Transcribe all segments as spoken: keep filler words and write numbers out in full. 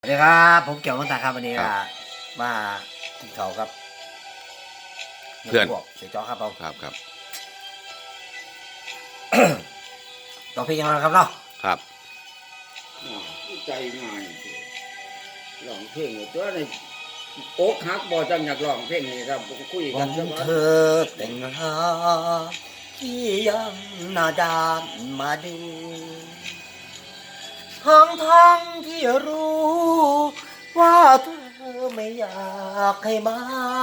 สวัสดีครับผมเกี่ยวกับตาครับวันนี้ครับมากินข้าวครับเพื่อนพวกเสียจ้อครับผมครับครับต้องพี่ยังไงครับเนาะครับใจง่ายร้องเพลงตัวนี้โอ๊กฮักบ่จังอยากร้องเพลงนี้ครับคุยวักันนซะเธว่าอแต่งงานที่ยังหน้าด้านมาดูทั้งทั้งที่รู้ว่าเธอไม่อยากให้มา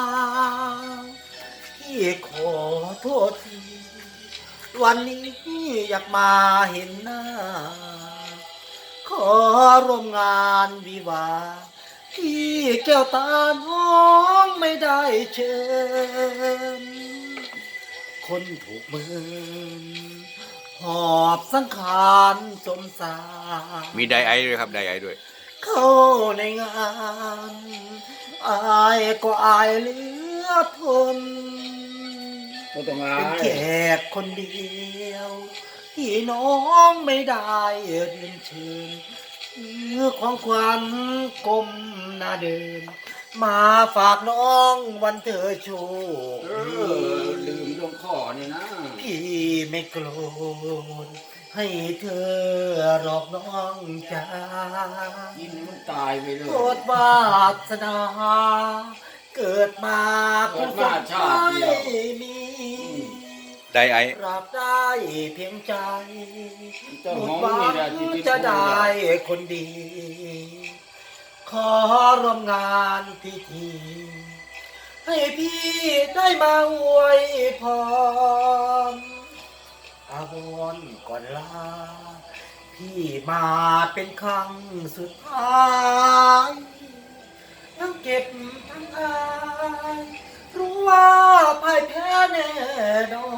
ที่ขอโทษทีวันนี้อยากมาเห็นหน้าขอร่วมงานวิวาห์ที่แก้วตาน้องไม่ได้เชิญคนถูกมือหอบสังขารสมสารมีไดไอด้วยครับไดไอด้วยเข้าในงานอายก็อายเหลือทนบ่ต้องอาเป็นแขยกคนเดียวที่น้องไม่ได้เรียนเชิญคือของขวัญกลมหน้าเดิน มาฝากน้องวันเธอโชคเอดีอลืมดวงข้อนี่นะพี่ไม่โกรธให้เธอหลอกน้องจ้ากินมันตายไปเลยโทษวาสนาเกิดมาเพื่อคนไม่มีไดไอรักได้เพียงใจเจ้าหมหอดมหวันี่งแหละที่ที่จะพูดได้อะคนดี ขอร่วมงานพิธี ให้พี่ได้มาอวยพรอาวรณ์ก่อนลา พี่มาเป็นครั้งสุดท้ายทั้งเก็บทั้งอายรู้ว่าพ่ายแพ้แน่นอน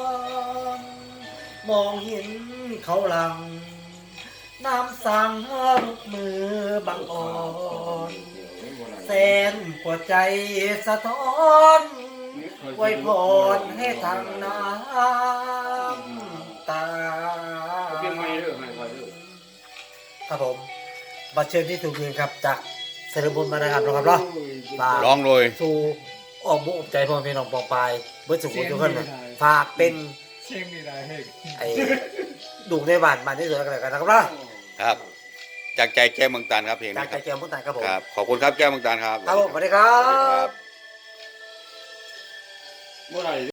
มองเห็นเขาหลัง น้ำสั่งลุกมือบังอ่อนแสนปวดใจสะท้อนไว้พรให้ทางน้ำตาเพียงไม่เด้อไม่ค่อยเด้อครับผมบัตรเชิญที่ถูกยิงครับจากเซเลบุญมานะครับนะครับเนาะฝากร้องเลยสู่อ้อมบุกใจพ่อพี่น้องปองปลายเบิร์ดสุขุมทุกคนนะฝากเป็นเชียงนี่ได้เฮ้ยไอ้ดุในบ้านบ้านที่สุดแล้วกันนะครับเนาะครับ จากใจแก้วเมืองตาลครับเพลงจากนี้ใจครับเจียมพุทธายครับผมครับ ขอบคุณครับแก้วเมืองตาลครับครับผมสวัสดีครัสวัสดีครับ บเมื่อไหร่